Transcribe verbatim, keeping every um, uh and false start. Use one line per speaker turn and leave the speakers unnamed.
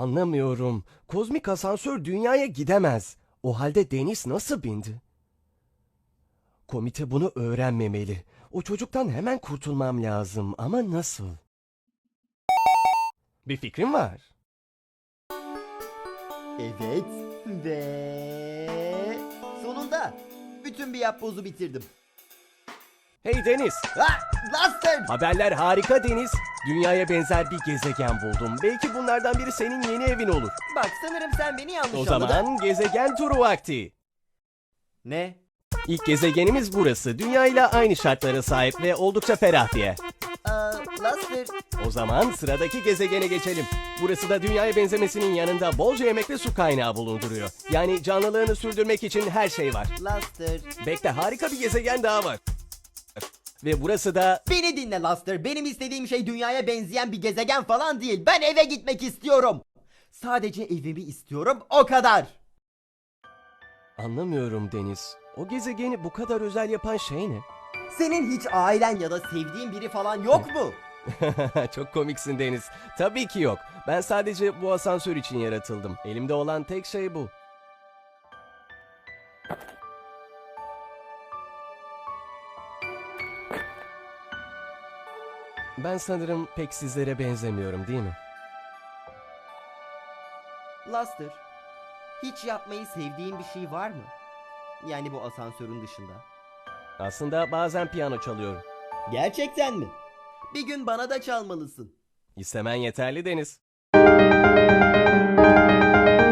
Anlamıyorum. Kozmik asansör dünyaya gidemez. O halde Deniz nasıl bindi? Komite bunu öğrenmemeli. O çocuktan hemen kurtulmam lazım ama nasıl? Bir fikrim var.
Evet ve sonunda bütün bir yapbozu bitirdim.
Hey Deniz,
Ha, Laster!
haberler harika Deniz. Dünyaya benzer bir gezegen buldum. Belki bunlardan biri senin yeni evin olur.
Bak sanırım sen beni yanlış
O
anladın.
zaman gezegen turu vakti.
Ne?
İlk gezegenimiz burası. Dünya ile aynı şartlara sahip ve oldukça ferah bir yer.
Aa, Laster,
O zaman sıradaki gezegene geçelim. Burası da dünyaya benzemesinin yanında bolca yemek ve su kaynağı bulunduruyor. Yani canlılığını sürdürmek için her şey var.
Laster.
Bekle, harika bir gezegen daha var. Ve burası da...
Beni dinle Laster. Benim istediğim şey dünyaya benzeyen bir gezegen falan değil. Ben eve gitmek istiyorum. Sadece evimi istiyorum, o kadar.
Anlamıyorum Deniz. O gezegeni bu kadar özel yapan şey ne?
Senin hiç ailen ya da sevdiğin biri falan yok mu?
Çok komiksin Deniz. Tabii ki yok. Ben sadece bu asansör için yaratıldım. Elimde olan tek şey bu. Ben sanırım pek sizlere benzemiyorum, değil mi?
Laster, hiç yapmayı sevdiğin bir şey var mı? Yani bu asansörün dışında.
Aslında bazen piyano çalıyorum.
Gerçekten mi? Bir gün bana da çalmalısın.
İstemen yeterli Deniz.